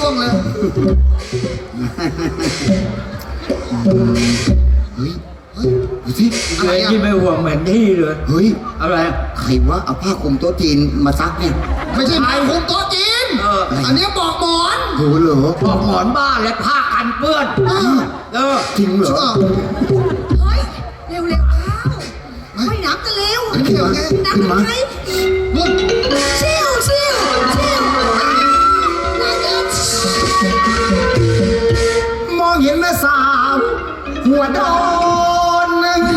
วงเลยเฮ้ยดูสิอะไรอ่ะที่ไม่ห่วงเหมือนที่เลยเฮ้ยอะไรใครว่าเอาผ้าคลุมโต๊ะจีนมาซักเนี่ยไม่ใช่ผ้าคลุมโต๊ะจีนอันนี้ปอกหมอนโหเหรอปอกหมอนบ้าและผ้ากันเปื้อนจริงเหรอเฮ้ยเร็วเข้าไม่น้ำกันเร็วน้ำกันไหมเชี่ยวมองเห็นแม่สาวหัวโดน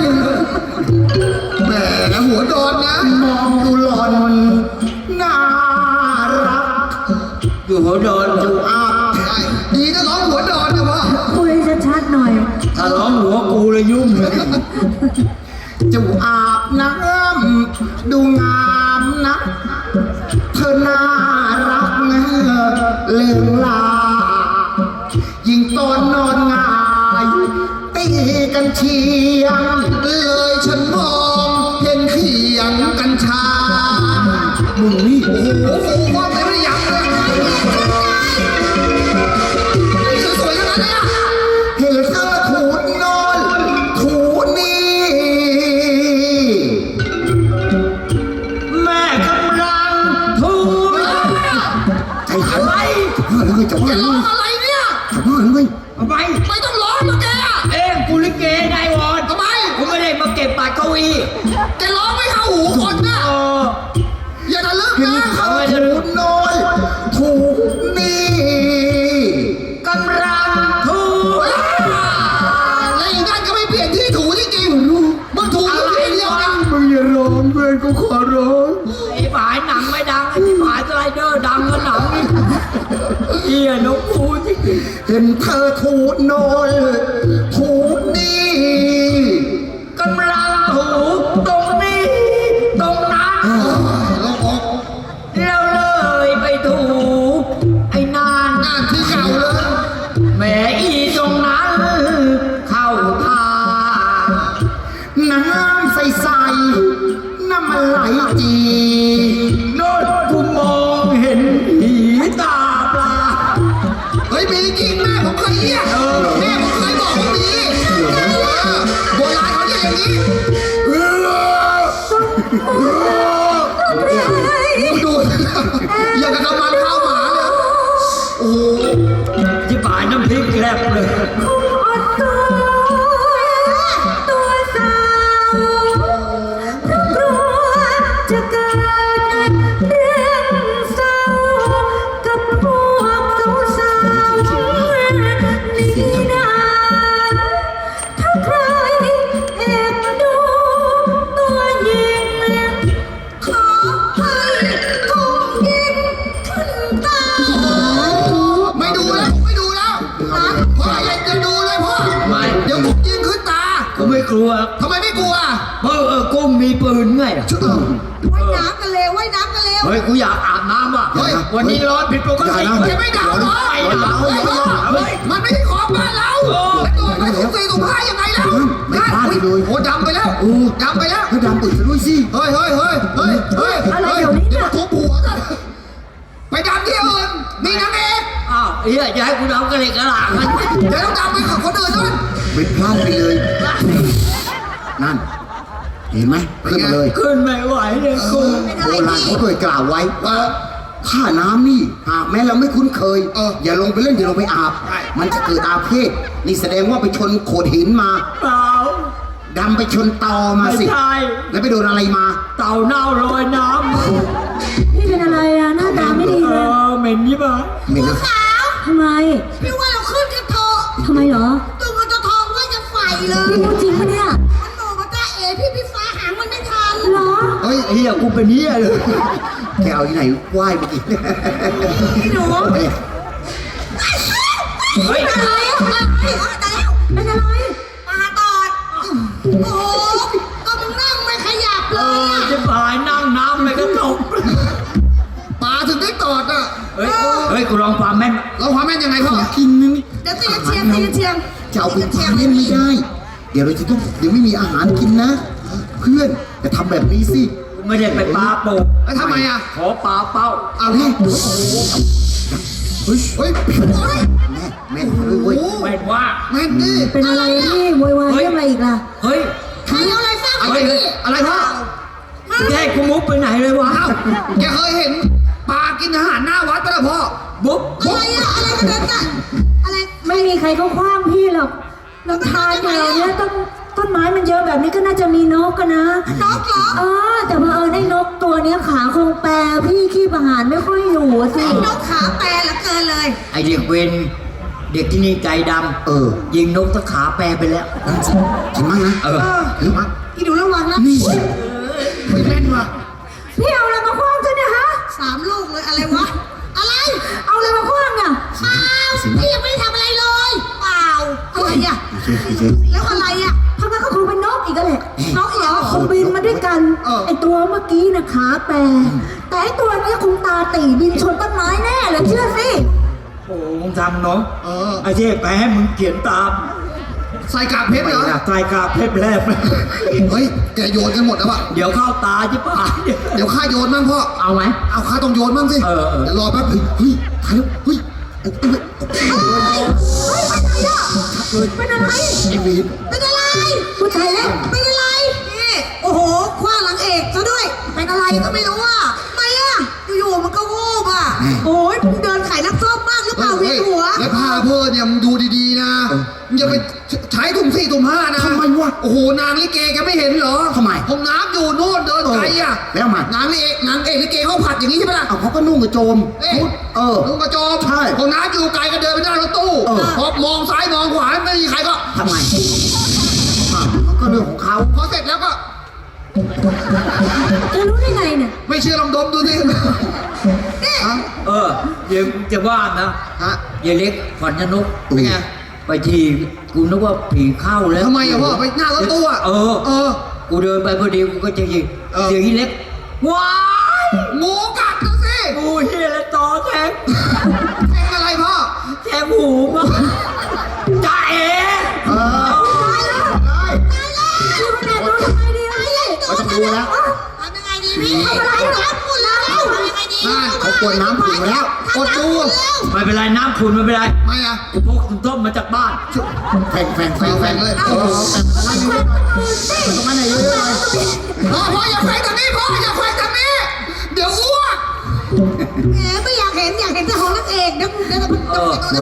แหมหัวโดนนะมองดูหล่อนน่ารักอยู่หัวโดนอยู่อาบดีนะร้องหัวโดนนะพ่อคุยชัดๆหน่อยถ้าร้องหัวกูเลยยุ่งเลยจะอาบน้ำดูงามนะเธอน่ารักนะเลื่องลายิ่งตอนนอนงายตีกันเชียงเลยฉันมองเห็นเขียงกัญชามึงนี่โอ้โหฟูว่าแต่ไม่ได้ยังเลยสวยๆขนาดนี้เห็นเธอถูนนอนถูนี่แม่กำลังถูใจหายอะไรจะว่าอะไรเนี่ยจะว่าอะไรทำไมไม่ต้องร้องนะแกกูลิเกนายวอนทำไมกูไม่ได้มาเก็บปากเก้าอี้แกร้องไม่เข้าหูคนนะอย่าทะลึ่งนะเขาถูกน้อยถูกนี่กำลังถูแล้วอีกนั่นก็ไม่เปลี่ยนที่ถูจริงๆมึงถูอยู่ที่เดียวนะมึงอย่าร้องเพื่อนกูขอร้องไอ้ฝายหนังไม่ดังไอ้ฝายสไลเดอร์ดังกว่าหนังนี่เหี้ยนกคูจริงเห็นเธอถูกน้อยถูกนี่กำลังถูตรงนี้ตรงนั้นแล้วเลยไปถูไอ้นานที่เก่าเลยแหมอีตรงนั้นเข้าทางน้ำใสๆน้ำมันไหลจีโน่นกูมองเห็นผีตาปลาเฮ้ยมีจริงแม่ผมเคยเรียกแม่ผมเคยบอกว่ามีโบราณเขาเรียกอย่างนี้ดูอย่างกับกำมันข้าวหมาเลยโอ้ที่ป่ายน้ำพริกแลบเลยตัวสาวกลัวจะเกิดเรื่องเศร้ากับพวกสาวนี่นะถ้าใครแอบดูตัวยิงขอให้กุ้งยิงขึ้นตาไม่ดูแล้วพ่ออย่าจะดูเลยพ่อเดี๋ยวกุ้งยิงขึ้นตากูไม่กลัวทำไมไม่กลัวกุ้งมีปืนไงว่ายน้ำกันเร็วเฮ้ยกูอยากอาบน้ำว่ะวันนี้ร้อนผิดปกติจะไม่หนาวหรอมันไม่ใช่ของบ้านเราไม่ถูกตีถูกผ้ายังไงล่ะไม่พลาดเลยโอ้ดำไปแล้วดำตื่นซะด้วยสิเฮ้ยอะไรเดี๋ยวนี้เนี่ยทุบหัวกันไปดำที่อื่นนี่นางเอกอ้าวเฮ้ยจะให้กูดำกระเหล็กกระหล่ำมันเดี๋ยวต้องดำไปกับคนอื่นด้วยไม่พลาดไปเลยนั่นเห็นไหมขึ้นมาเลยขึ้นไม่ไหวเลยกูโบราณเขาเคยกล่าวไว้ถ้าน้ำนี่หากแม้เราไม่คุ้นเคยอย่าลงไปเล่นอย่าลงไปอาบมันจะเกิดอาเพศนี่แสดงว่าไปชนโขดหินมาเปล่าดำไปชนตอมาสิใช่แล้วไปโดนอะไรมาเต่าเน่าลอยน้ำพี่เป็นอะไรอะหน้าตาไม่ดีเลยเหม็นยี่บ้าเหม็นขาวทำไมพี่ว่าเราขึ้นกันเถอะทำไมเหรอตัวมันจะทองว่าจะไฟเลยพี่พูดจริงปะเนี่ยมันบอกว่าจ้าพี่ฟ้าหางมันไม่ทันเหรอเฮ้ยเฮียกูเป็นเฮียเลยแกเอาที่ไหนไหว้เมื่อกี้พี่หนูเฮ้ยอะไรอ่ะเป็นอะไรปลาตอดโอ้ก็มึงนั่งไม่ขยับเลยจะพายนั่งน้ำไม่กระตกปลาถึงได้ตอดอ่ะเฮ้ยกูลองความแม่นยังไงพ่อกินนึงเดี๋ยวตีเชียงจะเอาเป็นความเล่นไม่ได้เดี๋ยวเราจะต้องเดี๋ยวไม่มีอาหารกินนะเพื่อนจะทำแบบนี้สิไม่ได้ไปปลาโป่งทำไมอ่ะขอปลาเป้าเอาดิเฮ้ยเฮ้ยแม่เว้ยแม่นว่าแม่ดิเป็นอะไรพี่โวยวายเรื่องอะไรอีกล่ะเฮ้ยใครเอาอะไรสร้างอะไรนี่อะไรพ่อแกกูมุกไปไหนเลยวะอ้าวแกเคยเห็นปลากินอาหารหน้าวัดปะล่ะพ่อบุ๊บอะไรอะอะไรกันเนี่ยอะไรไม่มีใครเขาคว้างพี่หรอกลำธารแถวเนี้ยต้นไม้มันเยอะแบบนี้ก็น่าจะมีนกกันนะนกเหรอแต่เผอิญไอ้นกตัวเนี้ยขาคงแปรพี่ขี้ประหารไม่ค่อยอยู่อะสินกขาแปรเหลือเกินเลยไอเด็กเวนเด็กที่นี่ใจดำยิงนกตะขาแปรไปแล้วเห็นมั้งนะเห็นมั้งอีดูระวังนะนี่ไม่แม่นว่ะพี่เอาอะไรมาคว้างกันเนี่ยฮะ 3 ลูกเลยอะไรวะอะไรเอาอะไรมาคว้างอ่ะเปล่าพี่ยังไม่ได้ทำอะไรเลยเปล่าอะไรอะแล้วอะไรอะทำไมก็คงเป็นนกอีกแล้วแหละนกเหรอคงบินมาด้วยกัน ไอตัวเมื่อกี้นะขาแปรแต่ไอตัวเนี้ยคงตาตีบินชนต้นไม้แน่เลยเชื่อสิโอ้มึงทำเนาะไอ้เจ๊แปรให้มึงเขียนตามใส่กากเพชรเหรอใส่กาเพชรแลบเฮ้ยแกโยนกันหมดแล้วอะเดี๋ยวเข้าตาจิ๋ป่าเดี๋ยวข้าโยนบ้างพ่อเอาไหมเอาข้าต้องโยนบ้างสิเออเดี๋ยวรอแป๊บเฮ้ยถ่ายแล้วเฮ้ยเป็นอะไรไอ้วีนเป็นอะไรผู้ชายแล้วเป็นอะไรนี่โอ้โหคว้างหลังเอกซะด้วย เป็นอะไรก็ไม่รู้อ่ะทำไมอ่ะ อยู่ๆมันก็วูบอ่ะ โอ้ยมึงเดินขายน้ำส้มมากหรือเปล่าเวียนหัวแล้วผ้าเพื่อเนี่ยมึงดูดีๆนะมึงอย่าไปใช้ถุง4ถุง5นะทำไมวะโอ้โหนางลิเกแกไม่เห็นเหรอทำไมห้องน้ำอยู่โน่นเดินไกลอะแล้วมันนางเอกลิเกเขาผัดอย่างนี้ใช่ไหมล่ะเขาก็นุ่งกระโจมนุ่งกระโจมใช่ห้องน้ำอยู่ไกลก็เดินไปหน้ารถตู้พอมองซ้ายมองขวาไม่มีใครก็ทำไมก็เรื่องของเขาพอเสร็จแล้วก็จะรู้ได้ไงเนี่ยไม่เชื่อลองดมดูสิเดี๋ยวจะว่านะฮะยายเล็กขวัญชนกเป็นไงไปทีกูนึกว่าผีเข้าแล้วทำไมอะพ่อไปหน้ารถตู้อะกูเดินไปพอดีกูก็จะยิงเสียงยายเล็กว้ายงูกัดดูสิกูเฮียแล้วต่อแทงแทงอะไรพ่อแทงหูมาจ่าเอ๋พี่คนไหนรู้ทำไงดีอะพี่ไม่ต้องดูแล้วทำยังไงดีพี่ทำอะไรน้ำขุ่นแล้วทำยังไงดีนั่นเขากวนน้ำขุ่นมาแล้วกดดูไม่เป็นไรน้ำขุนไม่เป็นไรไม่อะกูพกต้มมาจากบ้านแฟงเลยตรงนั้นไหนเยอะเลยพ่ออย่าแขวงทางนี้พ่ออย่าแขวงทางนี้เดี๋ยวอ้วกแหมไม่อยากเห็นแต่ของนักเอกเดี๋ยว